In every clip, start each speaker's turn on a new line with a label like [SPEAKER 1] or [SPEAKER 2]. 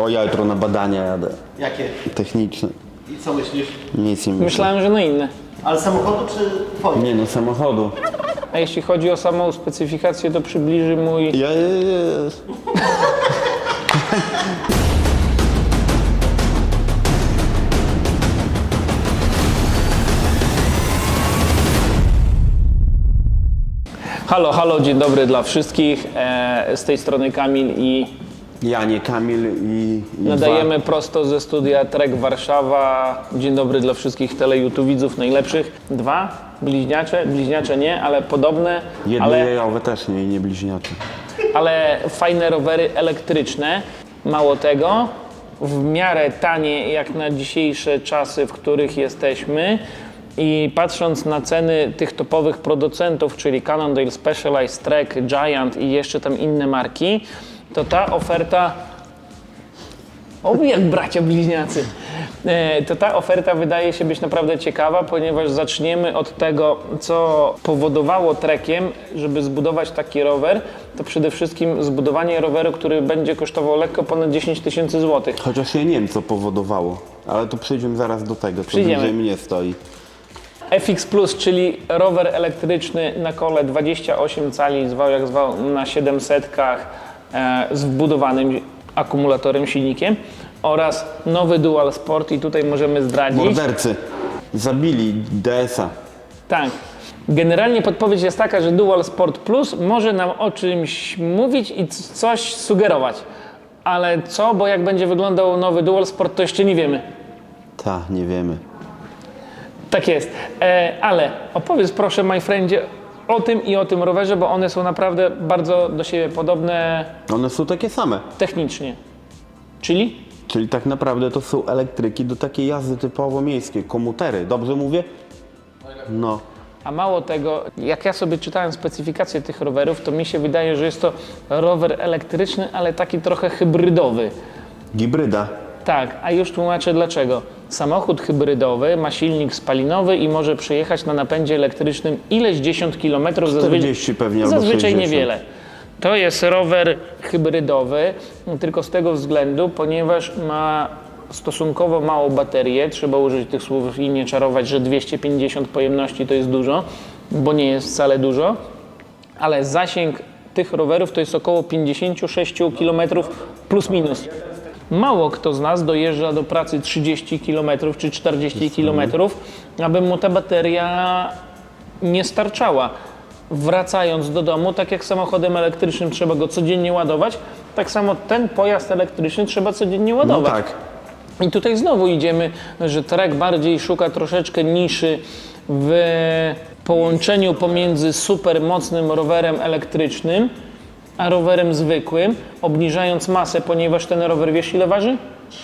[SPEAKER 1] O, ja jutro na badania jadę.
[SPEAKER 2] Jakie?
[SPEAKER 1] Techniczne.
[SPEAKER 2] I co myślisz?
[SPEAKER 1] Nic nie myślę.
[SPEAKER 3] Myślałem, że na inne.
[SPEAKER 2] Ale samochodu czy twoje?
[SPEAKER 1] Nie no, samochodu.
[SPEAKER 3] A jeśli chodzi o samą specyfikację, to przybliży mój... Halo, halo, dzień dobry dla wszystkich. Z tej strony Kamil i
[SPEAKER 1] Ja, nie Kamil i
[SPEAKER 3] nadajemy prosto ze studia Trek Warszawa. Dzień dobry dla wszystkich telejutuwidzów najlepszych. Dwa bliźniacze nie, ale podobne,
[SPEAKER 1] Jednojajowe też nie bliźniacze.
[SPEAKER 3] ale fajne rowery elektryczne. Mało tego, w miarę tanie jak na dzisiejsze czasy, w których jesteśmy. I patrząc na ceny tych topowych producentów, czyli Cannondale, Specialized, Trek, Giant i jeszcze tam inne marki, to ta oferta, jak bracia bliźniacy, to ta oferta wydaje się być naprawdę ciekawa, ponieważ zaczniemy od tego, co powodowało Trekiem, żeby zbudować taki rower, to przede wszystkim zbudowanie roweru, który będzie kosztował lekko ponad 10 tysięcy złotych.
[SPEAKER 1] Chociaż ja nie wiem, co powodowało, ale to przejdziemy zaraz do tego, co
[SPEAKER 3] Przyjdziemy.
[SPEAKER 1] bliżej mnie stoi.
[SPEAKER 3] FX Plus, czyli rower elektryczny na kole 28 cali, zwał jak zwał, na 700-kach z wbudowanym akumulatorem, silnikiem oraz nowy Dual Sport i tutaj możemy zdradzić.
[SPEAKER 1] Mordercy zabili DS-a.
[SPEAKER 3] Tak. Generalnie podpowiedź jest taka, że Dual Sport Plus może nam o czymś mówić i coś sugerować. Ale co, bo jak będzie wyglądał nowy Dual Sport, to jeszcze nie wiemy.
[SPEAKER 1] Nie wiemy.
[SPEAKER 3] Tak jest. Ale opowiedz proszę, my friendzie, o tym i o tym rowerze, bo one są naprawdę bardzo do siebie podobne
[SPEAKER 1] One są takie same.
[SPEAKER 3] technicznie. Czyli?
[SPEAKER 1] Czyli tak naprawdę to są elektryki do takiej jazdy typowo miejskiej. Komutery, dobrze mówię? No.
[SPEAKER 3] A mało tego, jak ja sobie czytałem specyfikację tych rowerów, to mi się wydaje, że jest to rower elektryczny, ale taki trochę hybrydowy.
[SPEAKER 1] Hibryda.
[SPEAKER 3] Tak, a już tłumaczę dlaczego. Samochód hybrydowy ma silnik spalinowy i może przejechać na napędzie elektrycznym ileś 10 km,
[SPEAKER 1] 40 pewnie albo
[SPEAKER 3] zazwyczaj
[SPEAKER 1] 60.
[SPEAKER 3] niewiele. To jest rower hybrydowy, tylko z tego względu, ponieważ ma stosunkowo małą baterię, trzeba użyć tych słów i nie czarować, że 250 pojemności to jest dużo, bo nie jest wcale dużo, ale zasięg tych rowerów to jest około 56 km plus minus. Mało kto z nas dojeżdża do pracy 30 km czy 40 km, aby mu ta bateria nie starczała. Wracając do domu, tak jak samochodem elektrycznym trzeba go codziennie ładować, tak samo ten pojazd elektryczny trzeba codziennie
[SPEAKER 1] No
[SPEAKER 3] ładować.
[SPEAKER 1] tak.
[SPEAKER 3] I tutaj znowu idziemy, że Trek bardziej szuka troszeczkę niszy w połączeniu pomiędzy super mocnym rowerem elektrycznym a rowerem zwykłym, obniżając masę, ponieważ ten rower, wiesz ile waży?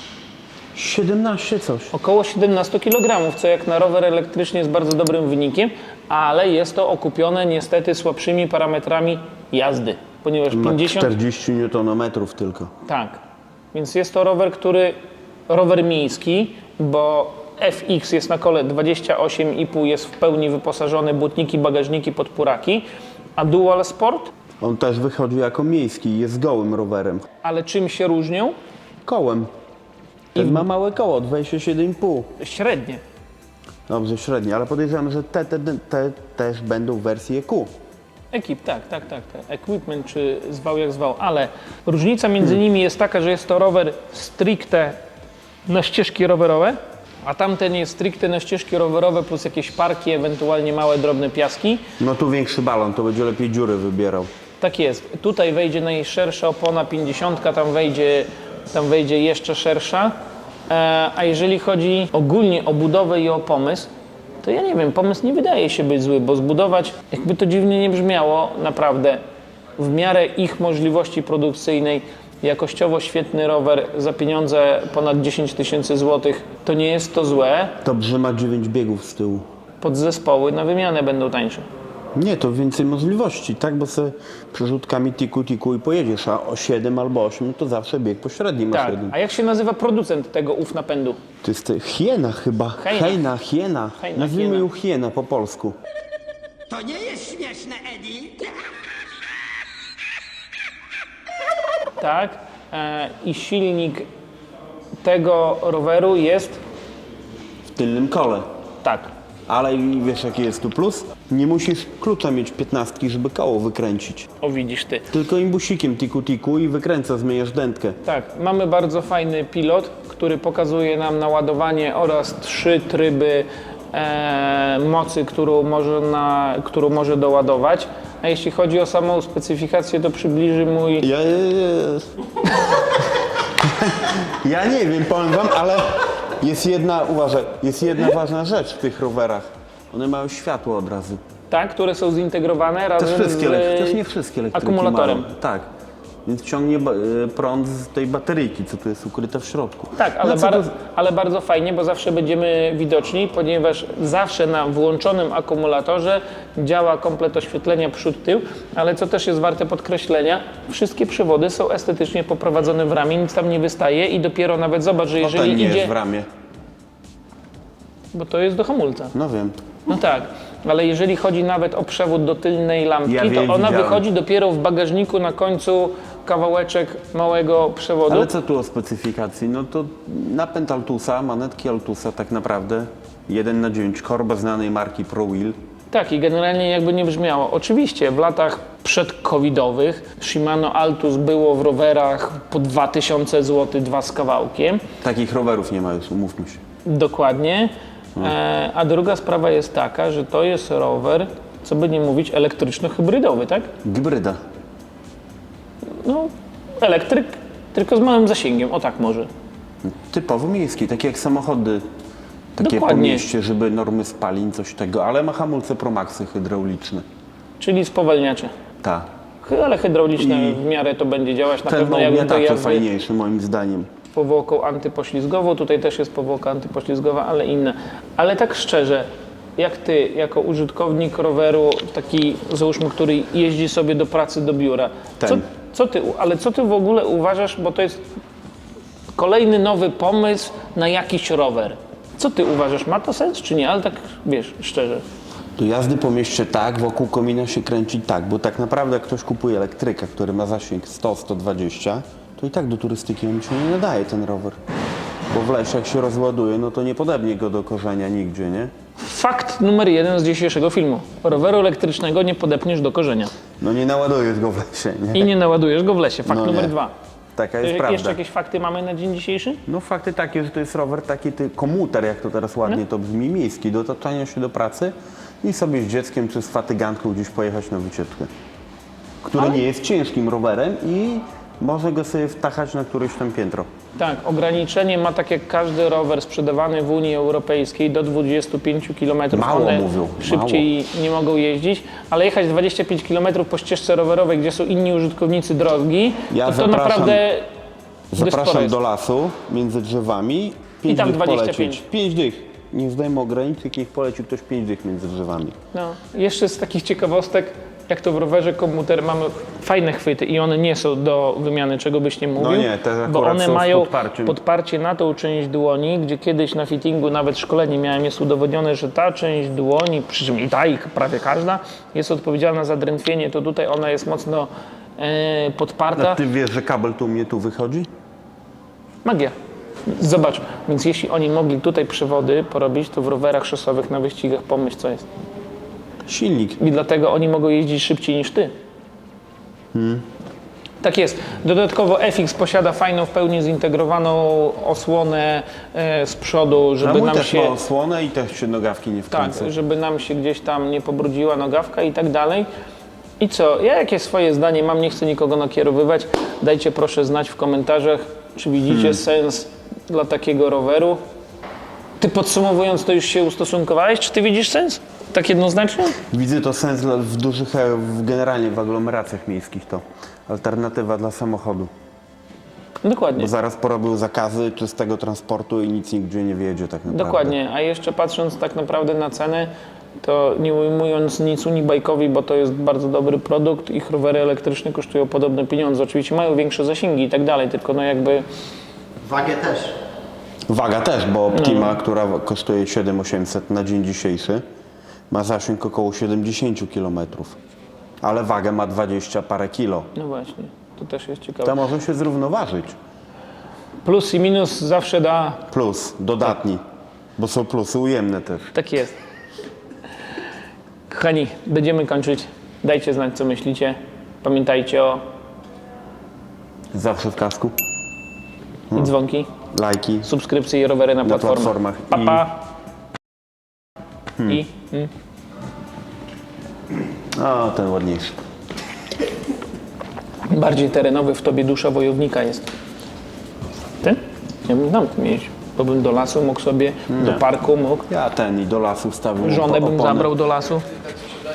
[SPEAKER 1] 17 coś.
[SPEAKER 3] Około 17 kg, co jak na rower elektryczny jest bardzo dobrym wynikiem, ale jest to okupione niestety słabszymi parametrami jazdy, ponieważ
[SPEAKER 1] Ma
[SPEAKER 3] 50...
[SPEAKER 1] 40 Nm tylko.
[SPEAKER 3] Tak, więc jest to rower miejski, bo FX jest na kole 28,5, jest w pełni wyposażony, błotniki, bagażniki, podpóraki, a Dual Sport,
[SPEAKER 1] On też wychodzi jako miejski i jest gołym rowerem.
[SPEAKER 3] ale czym się różnią?
[SPEAKER 1] Kołem. Ten ma małe koło, 27,5.
[SPEAKER 3] Średnie.
[SPEAKER 1] Dobrze, średnie, ale podejrzewam, że te też będą w wersji EQ.
[SPEAKER 3] Ekip, tak. Equipment, czy zwał jak zwał, ale różnica między nimi jest taka, że jest to rower stricte na ścieżki rowerowe, a tamten jest stricte na ścieżki rowerowe plus jakieś parki, ewentualnie małe, drobne piaski.
[SPEAKER 1] No tu większy balon, to będzie lepiej dziury wybierał.
[SPEAKER 3] Tak jest. Tutaj wejdzie najszersza opona 50, tam wejdzie jeszcze szersza. A jeżeli chodzi ogólnie o budowę i o pomysł, to ja nie wiem, pomysł nie wydaje się być zły, bo zbudować, jakby to dziwnie nie brzmiało, naprawdę w miarę ich możliwości produkcyjnej, jakościowo świetny rower za pieniądze ponad 10 tysięcy złotych, to nie jest to złe.
[SPEAKER 1] Dobrze ma 9 biegów z tyłu.
[SPEAKER 3] Podzespoły na wymianę będą tańsze.
[SPEAKER 1] Nie, to więcej możliwości, tak? Bo sobie przerzutkami tiku i pojedziesz, a o 7 albo 8 to zawsze bieg pośredni masz
[SPEAKER 3] Tak.
[SPEAKER 1] jeden.
[SPEAKER 3] A jak się nazywa producent tego napędu?
[SPEAKER 1] To jest hiena chyba.
[SPEAKER 3] Hiena.
[SPEAKER 1] Hiena. Nazwijmy
[SPEAKER 3] hiena.
[SPEAKER 1] ją hiena po polsku.
[SPEAKER 4] To nie jest śmieszne, Eddie.
[SPEAKER 3] Tak. I silnik tego roweru jest
[SPEAKER 1] W tylnym kole.
[SPEAKER 3] tak.
[SPEAKER 1] Ale i wiesz jaki jest tu plus? Nie musisz klucza mieć 15, żeby koło wykręcić.
[SPEAKER 3] O, widzisz ty.
[SPEAKER 1] Tylko imbusikiem tiku i wykręca, zmieniasz dętkę.
[SPEAKER 3] Tak, mamy bardzo fajny pilot, który pokazuje nam naładowanie oraz 3 tryby mocy, którą może doładować. A jeśli chodzi o samą specyfikację, to przybliży mój...
[SPEAKER 1] Ja nie wiem, powiem wam, ale jest jedna, uważaj, jest jedna ważna rzecz w tych rowerach. One mają światło od razu.
[SPEAKER 3] Tak, które są zintegrowane
[SPEAKER 1] Też
[SPEAKER 3] razem
[SPEAKER 1] też nie wszystkie elektryki
[SPEAKER 3] akumulatorem.
[SPEAKER 1] mają. Tak. Więc ciągnie prąd z tej bateryjki, co tu jest ukryte w środku.
[SPEAKER 3] Tak, ale,
[SPEAKER 1] No co to-
[SPEAKER 3] ale bardzo fajnie, bo zawsze będziemy widoczni, ponieważ zawsze na włączonym akumulatorze działa komplet oświetlenia przód-tył, ale co też jest warte podkreślenia, wszystkie przewody są estetycznie poprowadzone w ramię, nic tam nie wystaje i dopiero nawet zobacz, że
[SPEAKER 1] No ten
[SPEAKER 3] jeżeli
[SPEAKER 1] nie
[SPEAKER 3] idzie,
[SPEAKER 1] jest w ramię.
[SPEAKER 3] bo to jest do hamulca.
[SPEAKER 1] No wiem.
[SPEAKER 3] No tak, ale jeżeli chodzi nawet o przewód do tylnej lampki,
[SPEAKER 1] Ja wiem,
[SPEAKER 3] to ona
[SPEAKER 1] widziałem.
[SPEAKER 3] wychodzi dopiero w bagażniku na końcu kawałeczek małego przewodu.
[SPEAKER 1] Ale co tu o specyfikacji? No to napęd Altusa, manetki Altusa tak naprawdę 1/9 korba znanej marki ProWheel.
[SPEAKER 3] Tak, i generalnie jakby nie brzmiało. Oczywiście w latach przedcovidowych Shimano Altus było w rowerach po 2000 zł, 2 z kawałkiem.
[SPEAKER 1] Takich rowerów nie ma już, umówmy się.
[SPEAKER 3] Dokładnie. A druga sprawa jest taka, że to jest rower, co by nie mówić, elektryczno-hybrydowy, tak?
[SPEAKER 1] Hybryda.
[SPEAKER 3] No, elektryk, tylko z małym zasięgiem, o tak może.
[SPEAKER 1] Typowo miejski, takie jak samochody. Takie po
[SPEAKER 3] Dokładnie.
[SPEAKER 1] mieście, żeby normy spalin, coś tego, ale ma hamulce Promaxy hydrauliczne.
[SPEAKER 3] Czyli spowalniacze.
[SPEAKER 1] Tak.
[SPEAKER 3] Ale hydrauliczne
[SPEAKER 1] I
[SPEAKER 3] w miarę to będzie działać na
[SPEAKER 1] Ten
[SPEAKER 3] pewno jak do
[SPEAKER 1] tak
[SPEAKER 3] jazdy
[SPEAKER 1] fajniejszy moim zdaniem.
[SPEAKER 3] powłoką antypoślizgową. Tutaj też jest powłoka antypoślizgowa, ale inne. Ale tak szczerze, jak ty, jako użytkownik roweru, taki załóżmy, który jeździ sobie do pracy, do biura,
[SPEAKER 1] Ten.
[SPEAKER 3] co ty w ogóle uważasz, bo to jest kolejny nowy pomysł na jakiś rower. Co ty uważasz, ma to sens czy nie? Ale tak, wiesz, szczerze.
[SPEAKER 1] Do jazdy po mieście tak, wokół komina się kręci tak, bo tak naprawdę jak ktoś kupuje elektryka, który ma zasięg 100-120, to i tak do turystyki on się nie nadaje ten rower. Bo w lesie jak się rozładuje, no to nie podebnie go do korzenia nigdzie, nie?
[SPEAKER 3] Fakt numer 1 z dzisiejszego filmu. Roweru elektrycznego nie podepniesz do korzenia.
[SPEAKER 1] No nie naładujesz go w lesie, nie?
[SPEAKER 3] I nie naładujesz go w lesie. Fakt
[SPEAKER 1] No
[SPEAKER 3] numer
[SPEAKER 1] nie.
[SPEAKER 3] 2.
[SPEAKER 1] Taka jest
[SPEAKER 3] Jeszcze
[SPEAKER 1] prawda.
[SPEAKER 3] jakieś fakty mamy na dzień dzisiejszy?
[SPEAKER 1] No fakty takie, że to jest rower taki komuter, jak to teraz ładnie to brzmi, miejski, do otaczania się do pracy i sobie z dzieckiem czy z fatygantką gdzieś pojechać na wycieczkę. Który nie jest ciężkim rowerem i można go sobie wtachać na któreś tam piętro.
[SPEAKER 3] Tak, ograniczenie ma tak jak każdy rower sprzedawany w Unii Europejskiej do 25 km.
[SPEAKER 1] Mało
[SPEAKER 3] One
[SPEAKER 1] mówią,
[SPEAKER 3] szybciej nie mogą jeździć, ale jechać 25 km po ścieżce rowerowej, gdzie są inni użytkownicy drogi,
[SPEAKER 1] Ja
[SPEAKER 3] to
[SPEAKER 1] zapraszam-
[SPEAKER 3] naprawdę dość sporo
[SPEAKER 1] Zapraszam
[SPEAKER 3] jest.
[SPEAKER 1] do lasu między drzewami. 5
[SPEAKER 3] tam
[SPEAKER 1] dych
[SPEAKER 3] 25.
[SPEAKER 1] polecieć. 5 dych. Nie zdajmy ograniczek, niech poleci ktoś 5 dych między drzewami.
[SPEAKER 3] No. Jeszcze z takich ciekawostek, jak to w rowerze komuter mamy fajne chwyty i one nie są do wymiany, czego byś nie mówił,
[SPEAKER 1] nie, te akurat
[SPEAKER 3] bo one
[SPEAKER 1] są z
[SPEAKER 3] mają
[SPEAKER 1] podparciem.
[SPEAKER 3] podparcie na tą część dłoni, gdzie kiedyś na fittingu nawet szkolenie miałem, jest udowodnione, że ta część dłoni, przy czym i ta i prawie każda, jest odpowiedzialna za drętwienie, to tutaj ona jest mocno podparta.
[SPEAKER 1] A ty wiesz, że kabel tu u mnie tu wychodzi?
[SPEAKER 3] Magia. Zobacz, więc jeśli oni mogli tutaj przewody porobić, to w rowerach szosowych na wyścigach pomyśl, co jest.
[SPEAKER 1] Silnik.
[SPEAKER 3] I dlatego oni mogą jeździć szybciej niż ty. Tak jest. Dodatkowo FX posiada fajną, w pełni zintegrowaną osłonę z przodu,
[SPEAKER 1] A
[SPEAKER 3] żeby
[SPEAKER 1] mój
[SPEAKER 3] nam
[SPEAKER 1] też
[SPEAKER 3] się...
[SPEAKER 1] ma osłonę i też się nogawki nie
[SPEAKER 3] Tak,
[SPEAKER 1] wkręcą.
[SPEAKER 3] żeby nam się gdzieś tam nie pobrudziła nogawka i tak dalej. I co? Ja jakieś swoje zdanie mam, nie chcę nikogo nakierowywać. Dajcie proszę znać w komentarzach, czy widzicie sens dla takiego roweru. Ty podsumowując, to już się ustosunkowałeś? Czy ty widzisz sens? Tak jednoznacznie?
[SPEAKER 1] Widzę to sens w dużych, generalnie w aglomeracjach miejskich to. Alternatywa dla samochodu.
[SPEAKER 3] Dokładnie.
[SPEAKER 1] Bo zaraz porobił zakazy czystego transportu i nic nigdzie nie wjedzie tak naprawdę.
[SPEAKER 3] Dokładnie, a jeszcze patrząc tak naprawdę na cenę, to nie ujmując nic Unibike'owi, bo to jest bardzo dobry produkt, ich rowery elektryczne kosztują podobne pieniądze. Oczywiście mają większe zasięgi i tak dalej, tylko no jakby
[SPEAKER 2] Wagę też.
[SPEAKER 1] Waga też, bo Optima, która kosztuje 7800 na dzień dzisiejszy, ma zasięg około 70 km. Ale wagę ma 20 parę kilo.
[SPEAKER 3] no właśnie, to też jest ciekawe.
[SPEAKER 1] To może się zrównoważyć.
[SPEAKER 3] Plus i minus zawsze da.
[SPEAKER 1] Plus, dodatni. Bo są plusy ujemne też.
[SPEAKER 3] Tak jest. Kochani, będziemy kończyć. Dajcie znać, co myślicie. Pamiętajcie o
[SPEAKER 1] Zawsze w kasku.
[SPEAKER 3] i dzwonki,
[SPEAKER 1] Lajki.
[SPEAKER 3] subskrypcje i rowery na platformach. Pa, pa.
[SPEAKER 1] O, ten ładniejszy.
[SPEAKER 3] Bardziej terenowy w tobie dusza wojownika jest. Ty? Ja bym tam mieć. Bo bym do lasu mógł sobie, do parku mógł.
[SPEAKER 1] Ja ten i do lasu wstawił
[SPEAKER 3] Żonę bym
[SPEAKER 1] opony.
[SPEAKER 3] zabrał do lasu.